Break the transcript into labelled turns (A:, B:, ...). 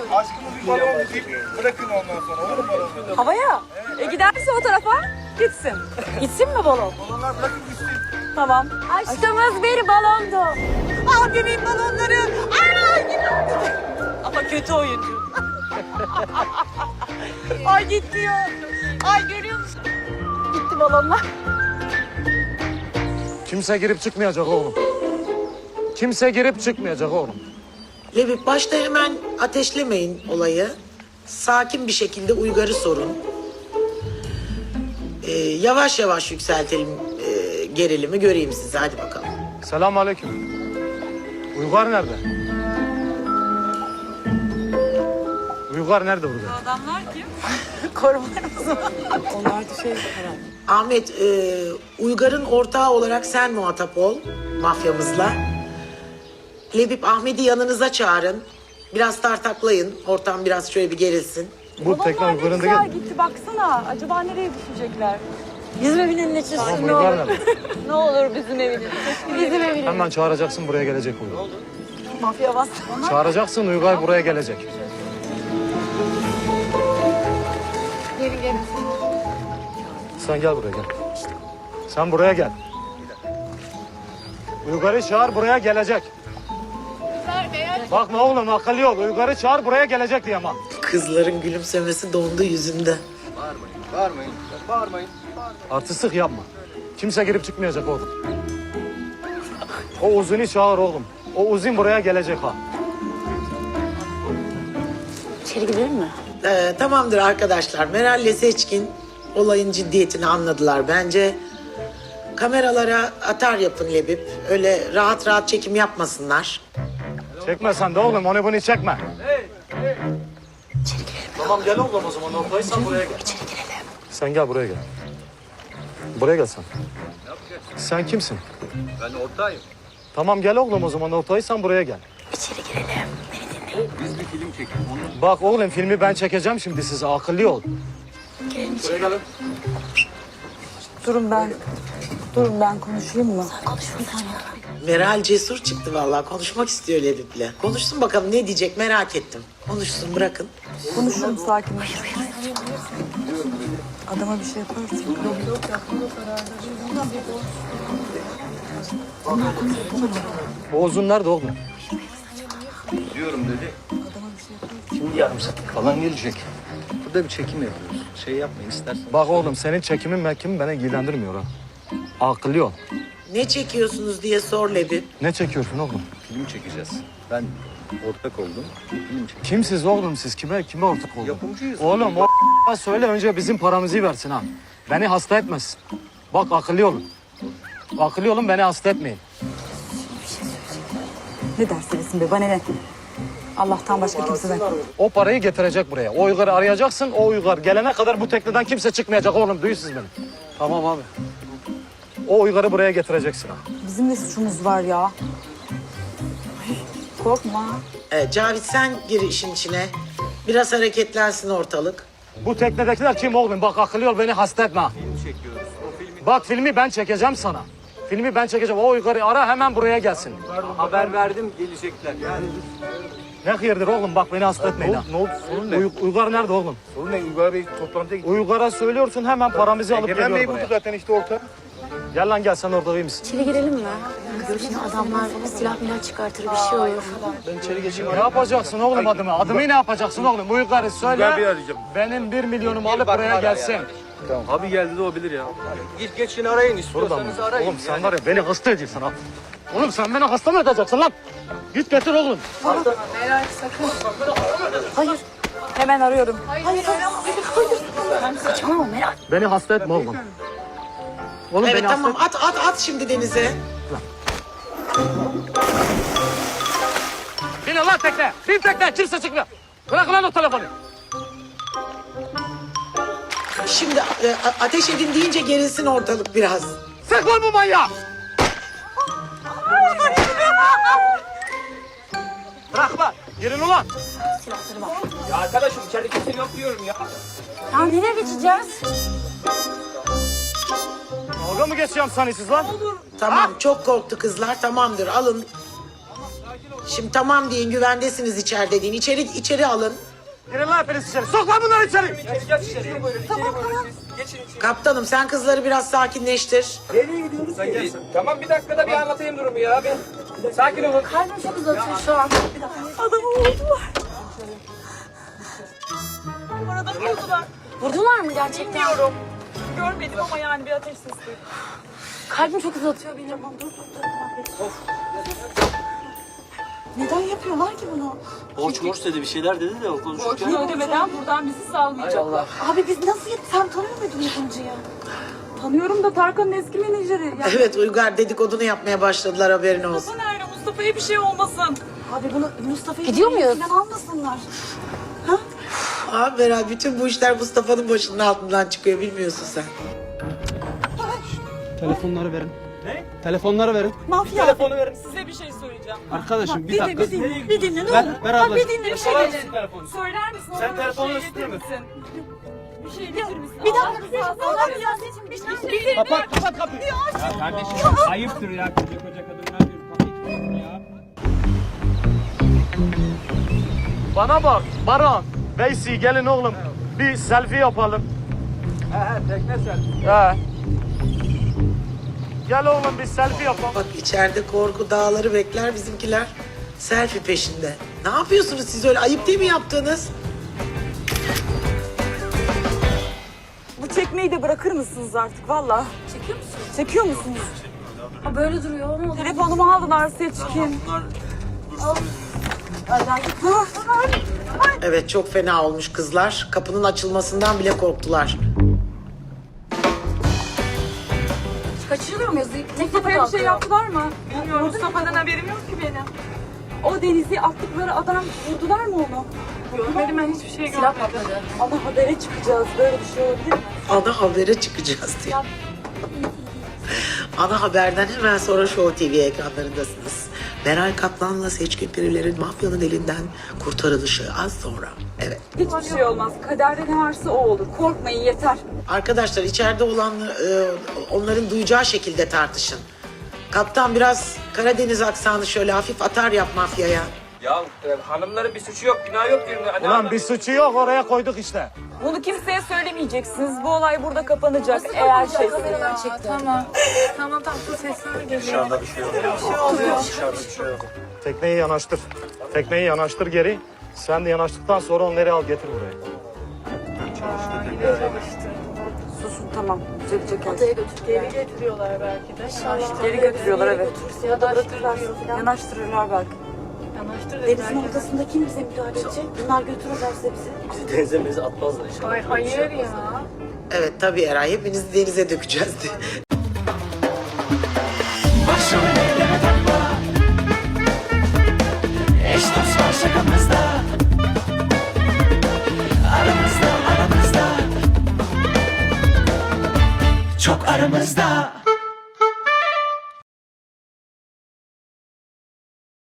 A: Aşkımız bir balon deyip bırakın ondan sonra. Olur mu balonu?
B: Havaya. Giderse o tarafa gitsin. Gitsin mi balon?
A: Balonlar bırakın gitsin.
B: Tamam. Aşkımız bir balondu. Al bebeğim balonları. Ama kötü oyuncu. Ay gidiyor. Ay görüyor musun? Gitti balonlar.
C: Kimse girip çıkmayacak oğlum. Kimse girip çıkmayacak oğlum.
D: Lebip başta hemen ateşlemeyin olayı. Sakin bir şekilde Uygar'ı sorun. Yavaş yavaş yükseltelim gerilimi, göreyim sizi. Hadi bakalım.
C: Selamünaleyküm. Uygar nerede? Uygar nerede burada?
B: Adamlar kim? Korumalarımız mı? Onlar da şey herhalde.
D: Ahmet, Uygar'ın ortağı olarak sen muhatap ol mafyamızla. Lebip, Ahmet'i yanınıza çağırın. Biraz tartaklayın. Ortam biraz şöyle bir gerilsin.
C: Bu tekne
B: Balonlar ne
C: Uygar'ın
B: güzel
C: da
B: gitti baksana. Acaba nereye düşecekler?
E: Bizim evinin içi
C: Tamam,
E: ne
C: Uygar
E: olur.
C: nerede?
B: Ne olur bizim evinin.
E: Bizim evinin.
C: Hemen çağıracaksın, buraya gelecek Uygar.
B: Mafya bastı.
C: Çağıracaksın, Uygar buraya gelecek.
E: Gelin gelin.
C: Sen gel buraya gel. Sen buraya gel. Uygar'ı çağır, buraya gelecek. Bakma oğlum, akıllı yol. Uygar'ı çağır, buraya gelecek diye ama.
D: Kızların gülümsemesi dondu yüzünde.
A: Bağırmayın. Bağırmayın.
C: Artistlik yapma. Kimse girip çıkmayacak oğlum. O Uzun'u çağır oğlum. O Uzun buraya gelecek ha.
E: İçeri gidelim mi?
D: Tamamdır arkadaşlar. Meral'le Seçkin olayın ciddiyetini anladılar bence. Kameralara atar yapın Lebip. Öyle rahat rahat çekim yapmasınlar.
C: Çekme sen de oğlum, onu bunu çekme.
E: İçeri girelim.
C: Tamam gel oğlum o zaman, ortaysan buraya gel.
E: İçeri girelim.
C: Sen gel buraya gel. Buraya gel sen. Sen kimsin?
A: Ben ortağıyım.
C: Tamam gel oğlum o zaman, ortaysan buraya gel.
E: İçeri girelim. Beni dinle.
A: Biz bir film çekelim.
C: Bak oğlum, filmi ben çekeceğim şimdi size, akıllı ol.
E: Girelim içeri.
B: Durun ben konuşayım mı?
E: Konuş bir tane.
D: Meral cesur çıktı vallahi. Konuşmak istiyor Lebip'le. Konuşsun bakalım ne diyecek, merak ettim. Konuşsun, bırakın.
B: Konuşurum sakinleş. Adama bir şey yaparsın.
C: O Uzun nerede oğlum?
A: Diyorum dedi. Şimdi yarım saat falan gelecek. Burada bir çekim yapıyoruz. Şey yapmayın istersen.
C: Bak oğlum, senin çekimin mekkimin beni ilgilendirmiyor ha. Akıllı ol.
D: Ne çekiyorsunuz diye sor Lebip.
C: Ne çekiyorsun oğlum?
A: Film çekeceğiz. Ben ortak oldum. Film çekeceğiz.
C: Kimsiz oğlum siz? Kime ortak oldun?
A: Yapımcıyız.
C: Oğlum o söyle önce bizim paramızı versin ha. Beni hasta etmesin. Bak akıllı olun. Akıllı olun, beni hasta etmeyin.
B: Ne dersin be, bana ne? Allah'tan başka kimseden.
C: O parayı getirecek buraya. O Uygar'ı arayacaksın. O Uygar gelene kadar bu tekneden kimse çıkmayacak oğlum. Duyuyorsunuz beni. Tamam abi. O Uygar'ı buraya getireceksin ha.
B: Bizim de suçumuz var ya. Ay, korkma.
D: Cavit sen gir işin içine. Biraz hareketlensin ortalık.
C: Bu teknedekiler kim oğlum? Bak akıllı ol, beni hasta etme ha.
A: Çekiyoruz. O filmi
C: Bak filmi ben çekeceğim sana. Filmi ben çekeceğim. O Uygar'ı ara, hemen buraya gelsin.
A: haber verdim gelecekler. Yani
C: Ne hayırdır oğlum, bak beni hasta etmeyin ha.
A: ne oldu? Sorun ne?
C: Uygar nerede oğlum?
A: Sorun ne? Uygar Bey toplantıya gitti.
C: Uygar'a söylüyorsun, hemen paramızı alıp
A: Egemen Bey
C: geliyor
A: buldu
C: buraya.
A: zaten işte orta.
C: Gel lan gel, sen orada iyi misin?
E: İçeri girelim mi? Şimdi adamlar silah milah çıkartır bir şey olur.
A: Ben içeri geçeyim.
C: Ne yapacaksın oğlum adımı? Adımı ne yapacaksın oğlum? Uygar'ı söyle.
A: Uygar Bey'i arayacağım.
C: Benim 1 milyonumu alıp buraya gelsin.
A: Tamam. Abi geldi de o bilir ya. Git geçin arayın istiyorsanız arayın.
C: Oğlum sen var ya, beni hasta ediyorsun ha. Oğlum sen beni hasta mı edeceksin lan? Git getir oğlum.
E: Hayır.
B: Hemen arıyorum.
E: Hayır. Saçmalama Meral.
C: Beni hasta etme oğlum. Oğlum
D: Evet
C: beni hasta
D: tamam,
C: etme.
D: at şimdi denize.
C: Bin lan tekne. Bin tekne. Kimse çıkmıyor. Bırak lan o telefonu.
D: Şimdi ateş edin deyince gerilsin ortalık biraz.
C: Sık lan bu manyağı. Bırak lan. Girin ulan.
E: Silahları var.
A: Ya arkadaşım içeride kimse yok diyorum ya.
E: Ya nereye geçeceğiz?
C: Dalga mı geçiyorum sanıyorsunuz lan?
D: Tamam, çok korktu kızlar. Tamamdır, alın. Şimdi tamam deyin, güvendesiniz içeride deyin. İçeri alın.
C: Girin lan hepiniz içeri. Sok lan bunları içeri.
D: Kaptanım sen kızları biraz sakinleştir.
F: Tamam bir dakikada bir anlatayım durumu ya. Bir sakin olun.
E: Kalbim çok uzatıyor şu an.
B: Adamı vurdular. Arada vurdular.
E: Vurdular mı gerçekten?
B: Bilmiyorum. Görmedim ama yani bir ateş sesi duydum.
E: Kalbim çok uzatıyor benim. Dur.
B: Neden yapıyorlar ki bunu?
G: Borç morç dedi bir şeyler dedi de o konuşurken.
B: Borcunu ödemeden buradan bizi salmayacaklar.
E: Abi biz nasıl gittik? Sen tanıyor muydun yapımcıyı?
B: Tanıyorum da Tarkan'ın eski menajeri. Ya
D: Evet Uygar dedikodunu yapmaya başladılar, haberin olsun.
B: Mustafa nerede? Mustafa'ya bir şey olmasın.
E: Abi bunu Mustafa'yı gidiyor muyuz?
B: Falan almasınlar.
D: Abi Beral, bütün bu işler Mustafa'nın başının altından çıkıyor, bilmiyorsun sen.
F: Telefonları verin. Ne? Telefonları verin.
B: Mafya.
F: Telefonu verin.
B: Size bir şey söyleyeceğim.
F: Arkadaşım bir
B: Bir
F: dakika.
B: dinle, bir dinle ne
F: Ver,
B: olur.
F: ver
B: Bak,
F: abla.
B: bir dinle bir şey
F: Ver
B: dinle.
F: telefonu.
B: Söyler misin?
F: Sen
B: Ona
F: telefonun
B: bir şey
F: üstüne mi?
B: getirir misin? Bir şey getirir misin? Bir dakika. Allah rızası için bir şey.
F: Kapat kapıyı. Ya kardeşim ayıptır ya koca kadınlar diyor. Kapıyı ya.
C: Bana bak Baran, Veysi gelin oğlum. Bir selfie yapalım.
F: Tekne sen.
C: He. Gel oğlum bir selfie yapalım.
D: Bak içeride korku dağları bekler, bizimkiler selfie peşinde. Ne yapıyorsunuz siz öyle? Ayıp değil mi yaptığınız?
B: Bu çekmeyi de bırakır mısınız artık valla?
E: Çekiyor musun?
B: Çekiyor musunuz?
E: Ha, böyle duruyor. Ne oldu?
B: Telefonumu aldılar seçkin.
D: Evet, çok fena olmuş kızlar. Kapının açılmasından bile korktular.
E: Kaçırılıyor muyuz? Tekne
B: Mustafa'ya bir şey
E: kalkıyor.
B: yaptılar mı? Bilmiyorum. Mustafa'dan haberim yok ki benim. O denizi attıkları adam vurdular mı onu? Görmedim, ben hiçbir şey
E: Silah
B: görmedim.
E: patladı.
B: Ama habere çıkacağız. Böyle bir şey olabilir mi?
D: Ana habere çıkacağız diye. Ana haberden hemen sonra Show TV ekranlarındasınız. Meral Kaplan'la Seçkin Piriler'in mafyanın elinden kurtarılışı az sonra. Evet.
B: Hiçbir şey olmaz. Kaderde ne varsa o olur. Korkmayın yeter.
D: Arkadaşlar içeride olan onların duyacağı şekilde tartışın. Kaptan biraz Karadeniz aksanı şöyle hafif atar yap mafyaya.
F: Ya hanımların bir suçu yok, günah yok diyorum. Hani
C: Ulan bir suçu yok oraya koyduk işte.
B: Bunu kimseye söylemeyeceksiniz. Bu olay burada kapanacak. Eğer şey...
E: Kameradan çekti. Tamam sus sesler geliyor.
A: Dışarıda bir şey yok. Dışarıda bir şey yok.
C: Tekneyi yanaştır. Tekneyi yanaştır geri. Sen de yanaştıktan sonra onları al getir buraya.
B: Susun tamam. Düzelecek her
E: Adaya
B: şey.
E: götür. Geri getiriyorlar belki de.
B: Geri götürüyorlar evet.
E: Ya da bırakırlar.
B: Yanaştırırlar belki.
E: Denizin ortasında kim bize müdahale edecek? Bunlar götürürlerse bizi.
G: Bizi denize mezi atmazlar inşallah.
E: Hayır ya.
D: Evet tabii Eray, hepinizi denize dökeceğiz diye.
H: Eş dost var şakamızda. Aramızda Çok aramızda